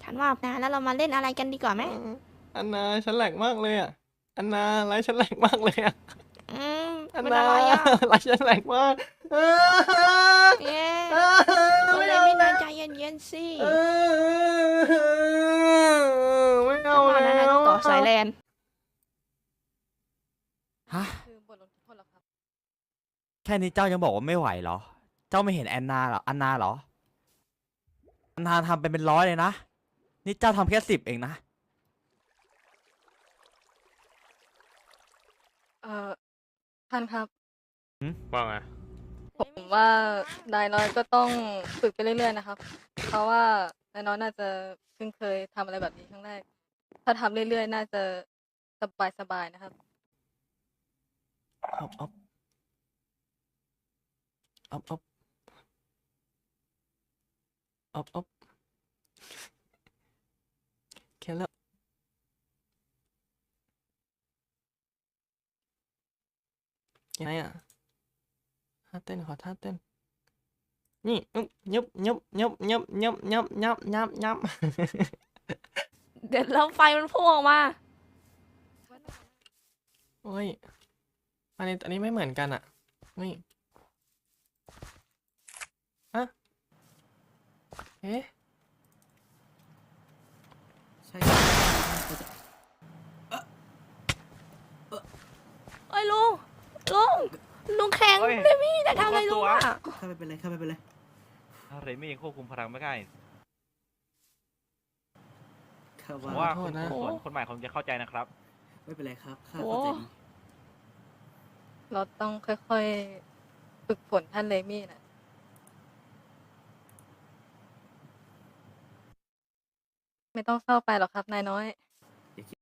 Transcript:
ฉันว่านะแล้วเรามาเล่นอะไรกันดีกว่าไหมอันนาฉันแหลกมากเลยอ่ะอันนาไลฟ์ฉันแหลกมากเลยอ่ะอืมอันเป็นนาอะไรอ่ะไลฟ์ฉันแหลกมากเอ๊ะคุณเลมินายใจเย็นๆสิไม่ฉัเอานว่าแล้นะนายต้อวงต่อสายแลนฮะคือบทลงโทษเหรอครับแค่นี้เจ้ายังบอกว่าไม่ไหวเหรอ เจ้าไม่เห็นแอนนาเหรอ อันนาเหรอ อันนาทำเป็นร้อยเลยนะ นี่เจ้าทำแค่10เองนะท่านครับว่าไงผมว่านายน้อยก็ต้องฝึกไปเรื่อยๆนะครับ เพราะว่านายน้อยน่าจะเพิ่งเคยทำอะไรแบบนี้ครั้งแรก ถ้าทำเรื่อยๆน่าจะสบายๆนะครับอ๊อบอ๊อบอ๊อบอ๊อบอ๊อบอ๊อบแค่แล้วยังไงอ่ะท่าเต้นขอท่าเต้นนี่ยุบยุบยุบยุบยุบยุบยุบยุบยุบเดี๋ยวแล้วไฟมันพุ่งออกมาโอ้ยอันนี้ไม่เหมือนกันอ่ะนี่อะเอ๊ะใช่เอ้ยลุงแข็งเฮ้ยเลมี่นายทำอะไรลุงอ่ะข้าไม่เป็นไรข้าไม่เป็นไรเรมี่ยังควบคุมพลังไม่ได้ข้าผมว่าว่าขอโทคุษณนะส่วนคนใหม่คงจะเข้าใจนะครับไม่เป็นไรครับข้าโอ้เข้าใจดีเราต้องค่อยๆฝึกฝนท่านเลมี่นะไม่ต้องเศร้าไปหรอกครับนายน้อย